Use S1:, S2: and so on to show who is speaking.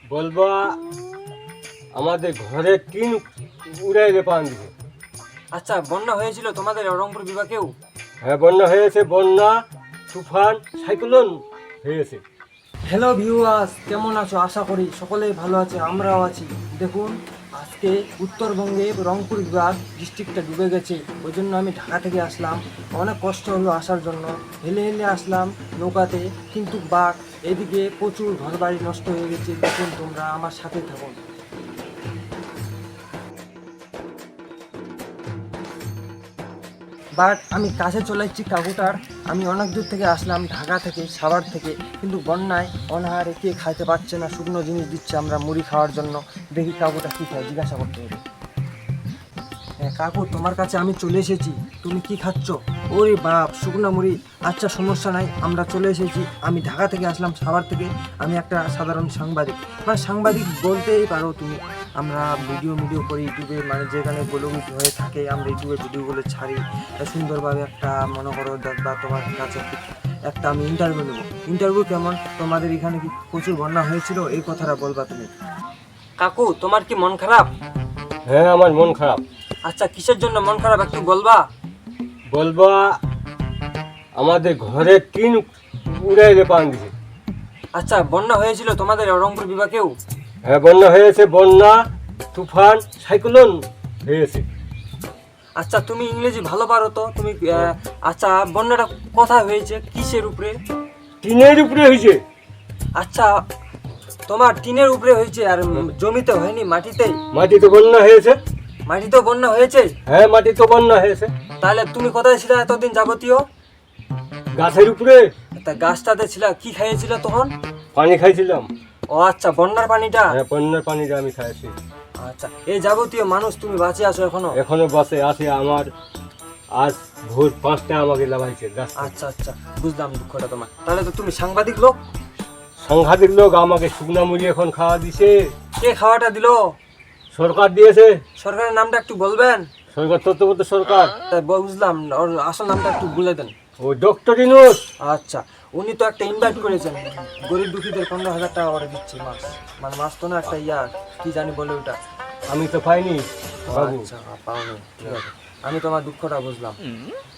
S1: বলবা আমাদের ঘরে টিন উড়াইলে পান দিছে।
S2: আচ্ছা, বন্যা হয়েছিল তোমাদের রংপুর বিভাগেও?
S1: হ্যাঁ, বন্যা হয়েছে, বন্যা, তুফান, সাইক্লোন হয়েছে।
S2: হ্যালো ভিউয়ার্স, কেমন আছো? আশা করি সকলেই ভালো আছে, আমরাও আছি। দেখুন, আজকে উত্তরবঙ্গে রংপুর বিভাগ ডিস্ট্রিক্টটা ডুবে গেছে। ওই জন্য আমি ঢাকা থেকে আসলাম। অনেক কষ্ট হলো আসার জন্য, হেলে হেলে আসলাম নৌকাতে, কিন্তু বাঘ এদিকে প্রচুর ঘরবাড়ি নষ্ট হয়ে গেছে। দেখুন, তোমরা আমার সাথে থাকুন। বাট আমি কাছে চলে এসেছি কাকুটার। আমি অনেক দূর থেকে আসলাম, ঢাকা থেকে, সাভার থেকে, কিন্তু বন্যায় অনাহারে কে খাইতে পারছে না, শুকনো জিনিস দিচ্ছে আমরা মুড়ি খাওয়ার জন্য। দেখি কাকুটা কী খায়, জিজ্ঞাসা করতে হবে। হ্যাঁ কাকু, তোমার কাছে আমি চলে এসেছি, তুমি কি খাচ্ছ? ওরে বাপ, শুকনো মুড়ি। আচ্ছা, সমস্যা নাই, আমরা চলে এসেছি। আমি ঢাকা থেকে আসলাম, সাভার থেকে। আমি একটা সাধারণ সাংবাদিক, মানে সাংবাদিক বলতেই পারো তুমি। আমরা ভিডিও করি ইউটিউবে, মানে যেখানে ব্লগ হয়ে থাকে আমরা ইউটিউবে ভিডিওগুলো ছাড়ি সুন্দরভাবে। একটা মনে করো বা তোমার কাছে একটা আমি ইন্টারভিউ নেবো। ইন্টারভিউ কেমন, তোমাদের এখানে কি প্রচুর বন্যা হয়েছিল, এই কথাটা বলবা তুমি। কাকু, তোমার কি মন খারাপ?
S1: হ্যাঁ, আমার মন খারাপ।
S2: আচ্ছা, কিসের জন্য মন খারাপ একটু বলবা?
S1: বলবা আমাদের ঘরে টিন উড়াইলে পান দিছে।
S2: আচ্ছা, বন্যা হয়েছিল তোমাদের রংপুর বিভাগেও?
S1: হ্যাঁ, বন্যা হয়েছে, বন্যা, তুফান, সাইক্লোন হয়েছে।
S2: আচ্ছা, তুমি ইংরেজি ভালো পারো তো তুমি। আচ্ছা, বন্যাটা কোথায় হয়েছে, কিসের উপরে?
S1: টিনের উপরে হয়েছে।
S2: আচ্ছা, তোমার টিনের উপরে হয়েছে, আর জমিতে হয়নি, মাটিতেই?
S1: মাটিতে বন্যা হয়েছে।
S2: মাটিতেও বন্যা হয়েছে?
S1: হ্যাঁ, মাটিতে বন্যা হয়েছে।
S2: তাহলে তুমি কোথায় ছিলে এতদিন যাবতীয়?
S1: গাছের উপরে।
S2: তা গাছটাতে ছিল, কি খাইয়েছিল তখন?
S1: পানি খাইছিলাম।
S2: ও আচ্ছা, বন্যার পানিটা।
S1: হ্যাঁ, বন্যার পানিটা আমি খাইছি।
S2: আচ্ছা, এই যাবতীয় মানুষ তুমি বাঁচে আছো এখনো?
S1: এখনো বাসে আছে। আমার আজ ভোর 5টায় আমাকে লাগাইছে গাছ।
S2: আচ্ছা আচ্ছা, বুঝলাম দুঃখটা তোমার। তাহলে তো তুমি সাংবাদিক লোক।
S1: সাংঘাতিক লোক, আমাকে শুকনা মুড়ি এখন খাওয়া দিছে।
S2: কে খাওয়াটা দিলো?
S1: সরকার দিয়েছে।
S2: সরকারের নামটা একটু বলবেন?
S1: সরকার, তত্ত্বাবধায়ক সরকার।
S2: তাই বুঝলাম, ওর আসল নামটা একটু বলে দেন।
S1: ও ডক্টর ইউনূস।
S2: আচ্ছা, উনি তো একটা ইনভাইট করেছেন, গরিব দুঃখীদের 15,000 টাকা করে দিচ্ছে মাস, মানে মাস তো না, একটা কি জানি বলে ওটা।
S1: আমি তো পাইনি
S2: ও
S1: বাবু।
S2: আচ্ছা, পাওনি, ঠিক আছে, আমি তোমার দুঃখটা বুঝলাম।